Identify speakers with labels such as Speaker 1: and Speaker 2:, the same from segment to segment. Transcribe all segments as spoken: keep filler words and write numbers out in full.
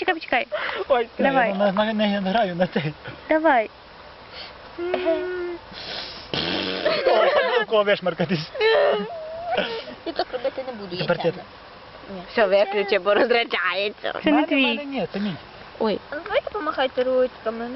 Speaker 1: почекай, почекай.
Speaker 2: Ой,
Speaker 1: Давай.
Speaker 3: Я на- не не граю на цей.
Speaker 1: Давай.
Speaker 3: О, кого вишмаркатись.
Speaker 4: Я так робити не буду, я
Speaker 3: Тепер ти.
Speaker 4: чемна.
Speaker 2: Все, виключи, бо розряджається.
Speaker 1: Це не
Speaker 3: Мене-
Speaker 1: твій.
Speaker 3: мене Ні, це мій.
Speaker 2: Ой.
Speaker 4: А ну давайте помахайте ручками.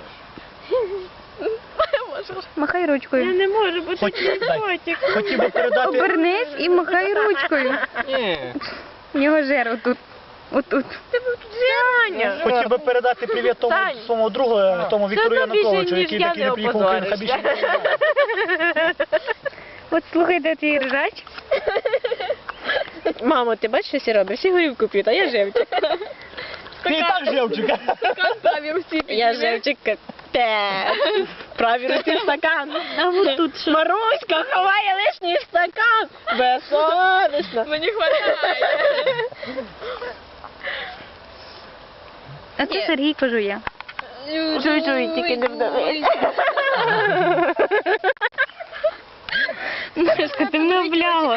Speaker 1: Махай ручкою.
Speaker 2: не можу, бо
Speaker 3: Хоч, дай. Хотів би передати...
Speaker 1: Обернись і махай ручкою.
Speaker 2: Ні.
Speaker 1: У нього жир отут. Отут.
Speaker 2: Саня.
Speaker 3: Хотів би передати привіт тому
Speaker 2: Сань.
Speaker 3: своєму другу, тому Віктору
Speaker 2: Це тобі
Speaker 3: Януковичу,
Speaker 2: ще, ніж
Speaker 3: який
Speaker 2: я
Speaker 3: такий
Speaker 2: не
Speaker 3: не приїхав в Україну, хай більше не
Speaker 2: опозоришся.
Speaker 3: приїжджає.
Speaker 1: От слухайте твій ржач.
Speaker 2: Мамо, ти бачиш, що всі роблять? Всі горівку п'ють, а я живчик.
Speaker 3: Ти і так живчика.
Speaker 2: Я живчик капець. Правій руці стакан. А от тут що? Маруська ховає лишній стакан. Безсовісно. Мені хватає.
Speaker 1: А це Сергійко жує.
Speaker 2: Жуй-жуй, тільки не вдавись.
Speaker 1: Машка, ти мене обляла.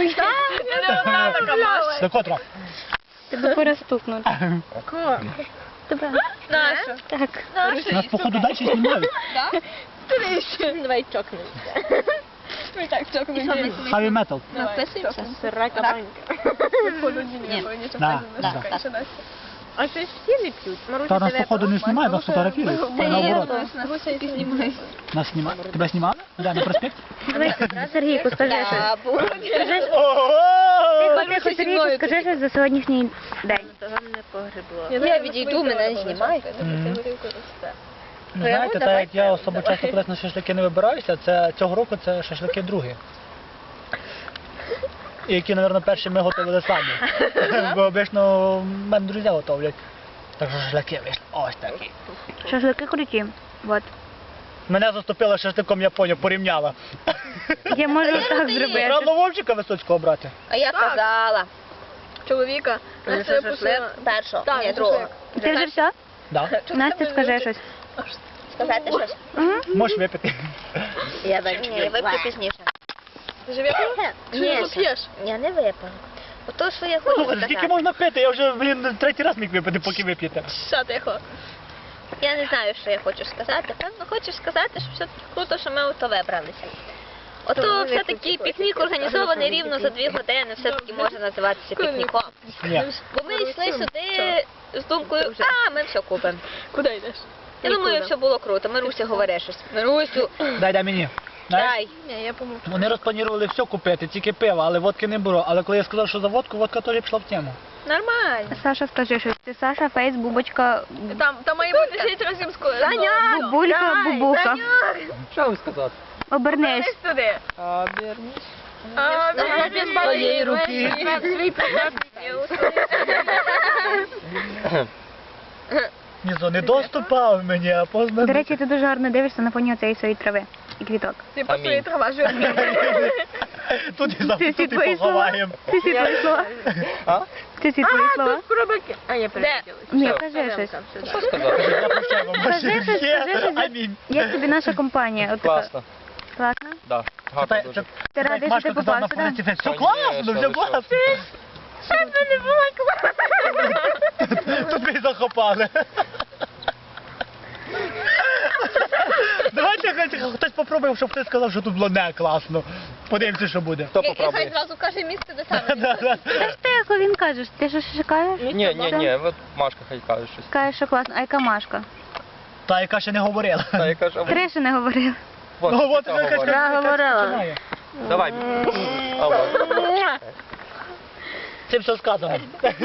Speaker 3: До котра?
Speaker 1: Тебе пора стукнути. Тебе.
Speaker 4: Наша.
Speaker 1: Так.
Speaker 3: Нас походу далі знімають.
Speaker 2: Давай чокнемося. Ми так чокнемося.
Speaker 3: Хаві метал.
Speaker 4: Написуємося?
Speaker 2: Сирака банька.
Speaker 4: Ні.
Speaker 3: Да,
Speaker 4: Да,
Speaker 3: да.
Speaker 4: так.
Speaker 2: А це всі не п'ють. Маруся,
Speaker 3: Та нас
Speaker 2: тебе
Speaker 3: походу не знімають, нас фотографують.
Speaker 4: Та
Speaker 3: Наоборот.
Speaker 4: ні,
Speaker 3: Нас знімали. Тебе знімали? Да, на проспект?
Speaker 1: Давай, Сергійко, скажи щось.
Speaker 4: Табу.
Speaker 1: Тихо,
Speaker 2: Маруся
Speaker 1: тихо,
Speaker 2: зі
Speaker 1: Сергійко,
Speaker 2: мною
Speaker 1: скажи щось за сьогоднішній день.
Speaker 4: Я відійду, мене не знімайте.
Speaker 3: Мгм. Ну, знаєте, так як я особо часто колись на шашлики не вибираюся, це цього року це шашлики другі. І які, мабуть, перші ми готували самі. Бо обично в мене друзі готовлять. Так що шашлики вийшли. Ось такі.
Speaker 1: Шашлики круті. Вот.
Speaker 3: Мене заступила шашликом Японія, порівняла.
Speaker 1: Я можу так зробити.
Speaker 3: Рано Вовчика Висоцького брати.
Speaker 4: А я казала.
Speaker 2: Чоловіка.
Speaker 4: Настя шашлик першого,
Speaker 2: Так,
Speaker 4: ні, другого.
Speaker 1: Ти вже все?
Speaker 3: Да.
Speaker 1: Настя, скажи щось.
Speaker 4: Сказати щось?
Speaker 1: Мгм.
Speaker 3: Можеш випити.
Speaker 4: Я вип'ю. Ні, я вип'ю пізніше.
Speaker 2: Ти ж випив? Чи
Speaker 4: Ні,
Speaker 2: не п'єш?
Speaker 4: я не випила. Ото, що я хочу
Speaker 3: Слухай, скільки
Speaker 4: сказати.
Speaker 3: можна пити? Я вже, блін, третій раз міг випити, поки вип'єте.
Speaker 2: Що тихо?
Speaker 4: Я не знаю, що я хочу сказати. Певно, хочу сказати, що все-таки круто, що ми ото вибралися. Ото все-таки пікнік організований рівно за дві години, все-таки може називатися пікніком.
Speaker 3: Ні.
Speaker 4: Бо ми йшли сюди з думкою, а, ми все купимо.
Speaker 2: Куди йдеш?
Speaker 4: Я думаю, все було круто. Маруся говорить щось. Марусю,
Speaker 3: Дай, дай мені. Знаєш?
Speaker 4: дай.
Speaker 2: Ні, я помогу.
Speaker 3: Вони розпланували все купити, тільки пиво, але водки не було. Але коли я сказав, що за водку, водка теж пішла в тему.
Speaker 4: Нормально.
Speaker 1: Саша, скажи щось. Ти Саша, Фейс, Бубочка,
Speaker 2: Там, там має бути шість разів скоро.
Speaker 4: Саня!
Speaker 1: Бубулька, Бубука.
Speaker 5: Що ви сказати?
Speaker 1: Обернись.
Speaker 2: Десь туди.
Speaker 5: А, Берніс.
Speaker 2: А,
Speaker 4: Ага,
Speaker 2: без
Speaker 3: своєї руки.
Speaker 2: Свій
Speaker 3: Нізо не доступав мені, а познав.
Speaker 1: До речі, ти дуже гарно дивишся на фоні цієї своєї трави і квіток.
Speaker 2: Ти посує трава жирна.
Speaker 3: Тут і
Speaker 1: Це
Speaker 3: завтра
Speaker 1: всі
Speaker 3: тут і
Speaker 1: твої слова?
Speaker 3: поховаємо.
Speaker 1: Це всі твої слова?
Speaker 5: А?
Speaker 1: Це всі твої слова?
Speaker 2: Пробаки. А, я переділась.
Speaker 1: Ні,
Speaker 5: Що?
Speaker 1: кажи щось.
Speaker 5: Що сказати?
Speaker 3: Я прощаю вам
Speaker 1: Скажи
Speaker 3: ваші
Speaker 1: щось,
Speaker 3: гріхи.
Speaker 1: скажи щось.
Speaker 3: Амінь.
Speaker 1: Як тобі наша компанія? От така.
Speaker 5: Класно.
Speaker 1: Класно?
Speaker 5: Да. Гарно
Speaker 3: Це-
Speaker 5: дуже.
Speaker 3: це-
Speaker 1: Ти
Speaker 3: це
Speaker 1: радий,
Speaker 3: як
Speaker 1: що ти
Speaker 3: Машка казала на
Speaker 1: попав сюди?
Speaker 3: фотості, Все
Speaker 5: Конечно,
Speaker 3: класно, все
Speaker 5: ви що?
Speaker 3: класно. Тут ми захопали. Давайте хай хтось попробує, щоб хтось сказав, що тут було не класно. Подивимося, що буде.
Speaker 5: Хто
Speaker 4: І хай
Speaker 5: попробує?
Speaker 4: зразу каже місце, де саме.
Speaker 3: Да, да.
Speaker 1: Та ж тихо, він каже, ти що шукаєш?
Speaker 5: Ні, ні, ні, от Машка хай каже щось.
Speaker 1: Каже, що класно. А яка Машка?
Speaker 3: Та, яка ще не говорила.
Speaker 5: Та я кажу,
Speaker 1: Три ще не говорив.
Speaker 5: вот,
Speaker 3: Ну, от
Speaker 5: ця
Speaker 3: яка
Speaker 5: говорить.
Speaker 1: Я говорила.
Speaker 3: починає.
Speaker 5: Давай. А, вот.
Speaker 3: Цим все сказано.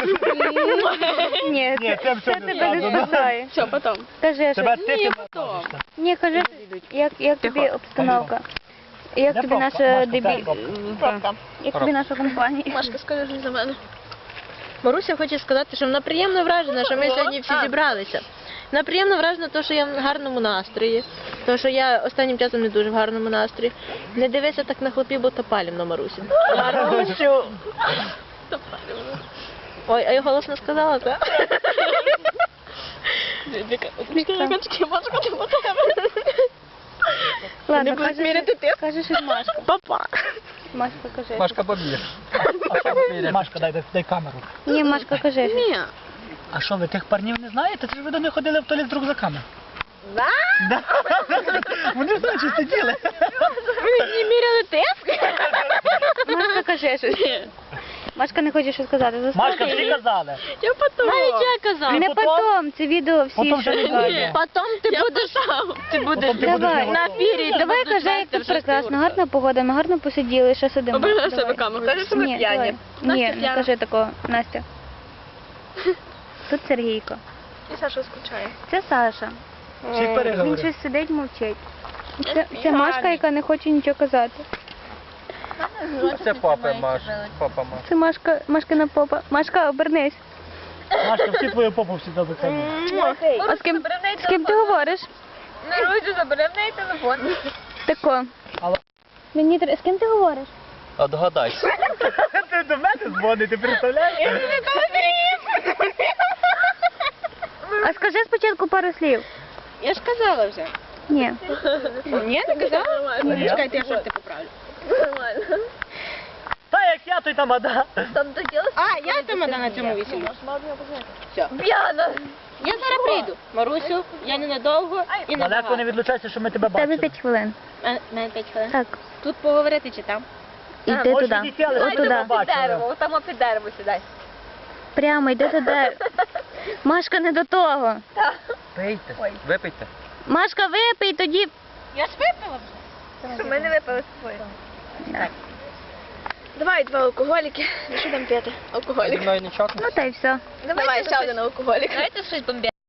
Speaker 1: Ні,
Speaker 3: Ні, це все
Speaker 1: це
Speaker 3: не
Speaker 1: тебе не
Speaker 3: сказано.
Speaker 1: спасає.
Speaker 2: Що, потім?
Speaker 1: Кажи
Speaker 3: Тебе
Speaker 1: щось.
Speaker 3: ти
Speaker 2: Ні,
Speaker 3: не
Speaker 2: потім.
Speaker 3: можешся.
Speaker 1: Ні, кажи, як, як тобі обстановка? Як
Speaker 3: Де
Speaker 1: тобі
Speaker 3: пробка?
Speaker 1: наша
Speaker 3: Машка,
Speaker 1: дебі...
Speaker 3: де пробка?
Speaker 4: Пробка.
Speaker 1: Як тобі наша компанія?
Speaker 2: Машка, скажи щось за мене. Маруся хоче сказати, що вона приємно вражена, що ми сьогодні всі зібралися. Вона приємно вражена, тому що я в гарному настрої. Тому що я останнім часом не дуже в гарному настрої. Не дивися так на хлопів, бо то палівно, Марусі. Марусю! Ой, а я голосно сказала, так?
Speaker 1: Ладно,
Speaker 2: Не будуть
Speaker 1: кажи,
Speaker 2: міряти
Speaker 1: щось- кажи щось Машка.
Speaker 2: Папа!
Speaker 1: Машка, кажи.
Speaker 5: Машка побіг.
Speaker 3: Машка, дай, дай, дай камеру.
Speaker 1: Ні, Машка, кажи.
Speaker 2: Ні.
Speaker 3: А що, ви тих парнів не знаєте? Це ж ви до них ходили в туалет з рюкзаками.
Speaker 4: Да?
Speaker 3: Да. Вони ж ночі сиділи.
Speaker 2: Ви не міряли тиск?
Speaker 1: Машка каже щось. Машка не хоче щось сказати.
Speaker 3: Машка,
Speaker 1: Заслухай
Speaker 3: всі
Speaker 1: її.
Speaker 3: казали.
Speaker 2: Я потом. Навіть я казав.
Speaker 1: Не
Speaker 3: потом?
Speaker 1: потом, це відео всі
Speaker 3: Потом
Speaker 1: що
Speaker 3: ще не
Speaker 1: бачать.
Speaker 3: знаю.
Speaker 2: Потом ти будеш, ти будеш
Speaker 3: Потім ти будеш
Speaker 1: Давай.
Speaker 3: не
Speaker 2: на
Speaker 3: готовий.
Speaker 2: ефірі.
Speaker 1: Давай кажи, як тут прекрасно, гарна погода, ми гарно посиділи, ще сидимо.
Speaker 2: Обережно
Speaker 1: Давай.
Speaker 2: себе камеру.
Speaker 4: Кажи, що ми
Speaker 1: Ні,
Speaker 4: п'яні.
Speaker 1: давай. Ні,
Speaker 2: Настя
Speaker 1: не
Speaker 2: п'яна.
Speaker 1: кажи такого, Настя. Тут Сергійко.
Speaker 4: І Саша скучає.
Speaker 1: Це Саша.
Speaker 3: Всі
Speaker 1: Він
Speaker 3: переговори.
Speaker 1: щось сидить, мовчить. Це, це Машка, яка не хоче нічого казати.
Speaker 5: Це папа Маш. Папа Маш.
Speaker 1: Це Машка, Машкина попа. Машка, обернись.
Speaker 3: Машка, всі твою попу всі до камери.
Speaker 1: А з ким, з ким ти говориш?
Speaker 4: Наружу забере в неї телефон.
Speaker 1: Тако.
Speaker 3: Алло.
Speaker 1: Мені тр- з ким ти говориш?
Speaker 5: А догадайся.
Speaker 3: Ти до мене дзвонить, ти представляєш?
Speaker 1: А скажи спочатку пару слів.
Speaker 2: Я ж казала вже.
Speaker 1: Ні.
Speaker 2: Ні, не казала?
Speaker 3: Ні.
Speaker 2: Чекайте, я шорти поправлю.
Speaker 4: Нормально.
Speaker 3: Та як я, то й тамада.
Speaker 4: Там доділося.
Speaker 2: А, я тамада на цьому весіллі. Все.
Speaker 4: П'яна.
Speaker 2: Я зараз прийду. Марусю, я ненадовго і
Speaker 3: Далеко не
Speaker 2: набагато.
Speaker 3: відлучайся, що ми тебе
Speaker 1: В тебе
Speaker 3: бачили.
Speaker 1: п'ять хвилин.
Speaker 2: Е, мене п'ять хвилин.
Speaker 1: Так.
Speaker 2: Тут поговорити чи там?
Speaker 1: Іди
Speaker 3: можеш
Speaker 1: туди.
Speaker 3: відійти, але
Speaker 1: От
Speaker 3: ми
Speaker 1: туди.
Speaker 3: тебе
Speaker 4: Під
Speaker 3: бачили.
Speaker 4: дерево, там під дерево сідай.
Speaker 1: Прямо, йди туди. Машка, не до того.
Speaker 5: Пийте. Випийте.
Speaker 1: Машка, випий, тоді...
Speaker 2: Я ж випила вже.
Speaker 4: Щоб ми не випили з тобою.
Speaker 1: Да.
Speaker 2: Давай два алкоголіки. Що там п'яти?
Speaker 5: Зі
Speaker 2: Алкоголік.
Speaker 5: мною не чокнеш?
Speaker 1: Ну та й все.
Speaker 2: Давай ще один алкоголік.
Speaker 4: Давайте щось бомбезне.